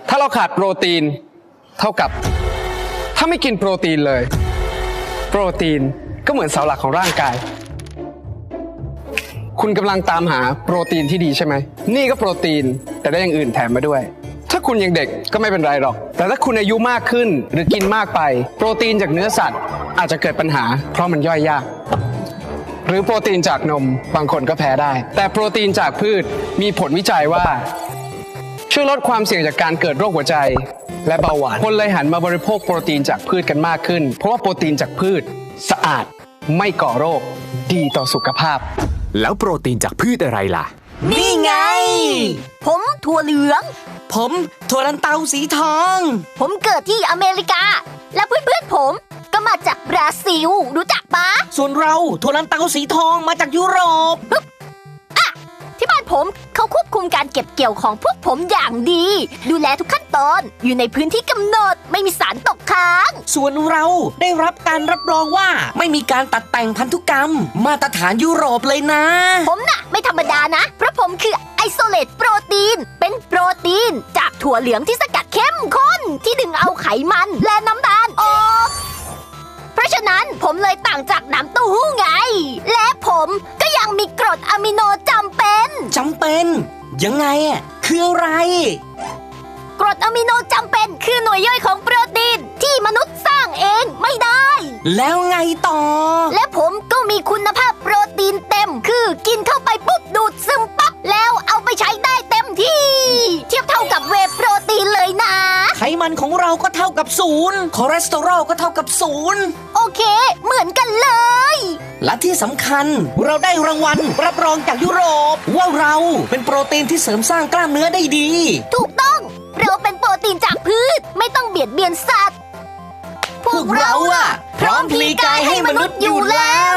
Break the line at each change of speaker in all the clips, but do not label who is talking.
ถ้าเราขาดโปรตีนเท่ากับถ้าไม่กินโปรตีนเลยโปรตีนก็เหมือนเสาหลักของร่างกายคุณกำลังตามหาโปรตีนที่ดีใช่ไหมนี่ก็โปรตีนแต่ได้อย่างอื่นแถมมาด้วยถ้าคุณยังเด็กก็ไม่เป็นไรหรอกแต่ถ้าคุณอายุมากขึ้นหรือกินมากไปโปรตีนจากเนื้อสัตว์อาจจะเกิดปัญหาเพราะมันย่อยยากหรือโปรตีนจากนมบางคนก็แพ้ได้แต่โปรตีนจากพืชมีผลวิจัยว่าช่วยลดความเสี่ยงจากการเกิดโรคหัวใจและเบาหวานคนเลยหันมาบริโภคโปรตีนจากพืชกันมากขึ้นเพราะว่าโปรตีนจากพืชสะอาดไม่ก่อโรคดีต่อสุขภาพ
แล้วโปรตีนจากพืชอะไรล่ะ
นี่ไงผมถั่วเหลือง
ผมถั่วลันเตาสีทอง
ผมเกิดที่อเมริกาและเพื่อนๆผมก็มาจากบราซิลรู้จักปะ
ส่วนเราถั่วลันเตาสีทองมาจากยุโรป
ที่บ้านผมเขาควบคุมการเก็บเกี่ยวของพวกผมอย่างดีดูแลทุกขั้นตอนอยู่ในพื้นที่กำหนดไม่มีสารตกค้าง
ส่วนเราได้รับการรับรองว่าไม่มีการตัดแต่งพันธุกรรมมาตรฐานยุโรปเลยนะ
ผมน่ะไม่ธรรมดานะเพราะผมคือไอโซเลตโปรตีนเป็นโปรตีนจากถั่วเหลืองที่สกัดเข้มข้นที่ดึงเอาไขมันและน้ำตาลออกเพราะฉะนั้นผมเลยต่างจากน้ำเต้าหู้ไงและผมก็ยังมีกรดอะมิโนจำเป็น
ยังไงอ่ะคืออะไร
กรดอะมิโนจำเป็นคือหน่วยย่อยของโปรตีนที่มนุษย์สร้างเองไม่ได้
แล้วไงต่อ
และผมก็มีคุณภาพโปรตีนเต็มคือกินเข้าไปปุ๊บดูดซึมปั๊บแล้วเอาไปใช้ได้เต็มที่เทียบเท่ากับเวย์โปรตีนเลยนะ
ไขมันของเราก็เท่ากับ0คอเลสเตอรอลก็เท่ากับ0
โอเคเหมือนกันเลย
และที่สำคัญเราได้รางวัลรับรองจากยุโรปว่าเราเป็นโปรตีนที่เสริมสร้างกล้ามเนื้อได้ดี
ถูกต้องเราเป็นโปรตีนจากพืชไม่ต้องเบียดเบียนสัตว์
พวกเราอะพร้อมพลีกายให้มนุษย์อยู่แล้ว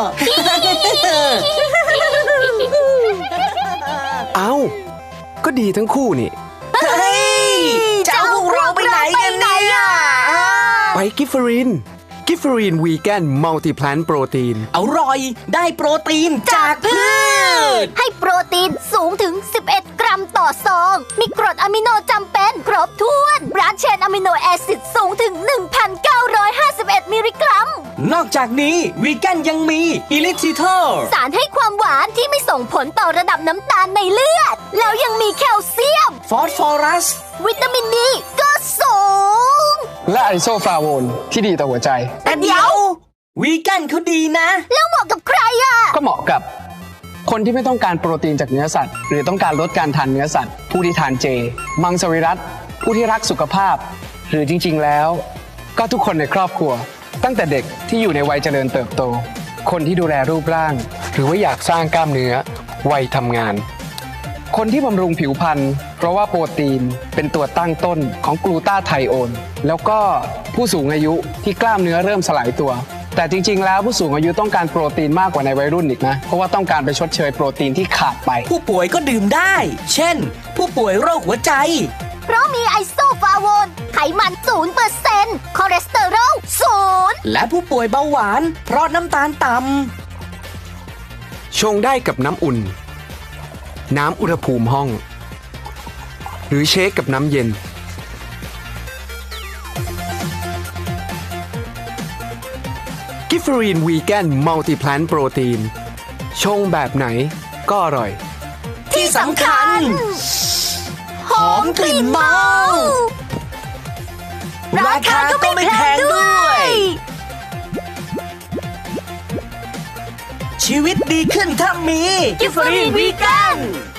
เอ้าก็ดีทั้งคู่นี่
เฮ้ยจะเอาพวกเราไปไหนกันเนี่ย
ไปกิฟเฟอรีนวีแกนมัลติแพลนโปรตีน
อร่อยได้โปรตีนจากพืช
ให้โปรตีนสูงถึง11 กรัมต่อซองมีกรดอะมิโนจำเป็นครบถ้วนบรานช์เชนอะมิโนแอซิดสูงถึง 1,951 มิลลิกรัม
นอกจากนี้วีแกนยังมีอิลิทิทอล
สารให้ความหวานที่ไม่ส่งผลต่อระดับน้ำตาลในเลือดแล้วยังมีแคลเซียม
ฟอสฟอรัส
วิตามินดีก็สูง
และไอโซฟลาโวนที่ดีต่อหัวใจ
แต่เดี๋ยววีแกนเขาดีนะ
แล้วเหมาะกับใครอ่ะ
ก็เหมาะกับคนที่ไม่ต้องการโปรตีนจากเนื้อสัตว์หรือต้องการลดการทานเนื้อสัตว์ผู้ที่ทานเจมังสวิรัติผู้ที่รักสุขภาพหรือจริงๆแล้วก็ทุกคนในครอบครัวตั้งแต่เด็กที่อยู่ในวัยเจริญเติบโตคนที่ดูแลรูปร่างหรือว่าอยากสร้างกล้ามเนื้อวัยทำงานคนที่บำรุงผิวพรรณเพราะว่าโปรตีนเป็นตัวตั้งต้นของกลูตาไทโอนแล้วก็ผู้สูงอายุที่กล้ามเนื้อเริ่มสลายตัวแต่จริงๆแล้วผู้สูงอายุต้องการโปรตีนมากกว่าในวัยรุ่นอีกนะเพราะว่าต้องการไปชดเชยโปรตีนที่ขาดไป
ผู้ป่วยก็ดื่มได้เช่นผู้ป่วยโรคหัวใจ
เพราะมีไอโซฟลาโวนไขมัน 0% คอเลสเตอรอล 0
และผู้ป่วยเบาหวานเพราะน้ำตาลต่ำ
ชงได้กับน้ำอุ่นน้ำอุณหภูมิห้องหรือเชคกับน้ำเย็นกิฟเฟอรีนวีแกนมัลติแพลนโปรตีนชงแบบไหนก็อร่อย
ที่สำคัญหอมกลิ่นเมาราคาก็ไม่แพงด้วยชีวิตดีขึ้นถ้ามี
กิฟเฟอรีนวีแกน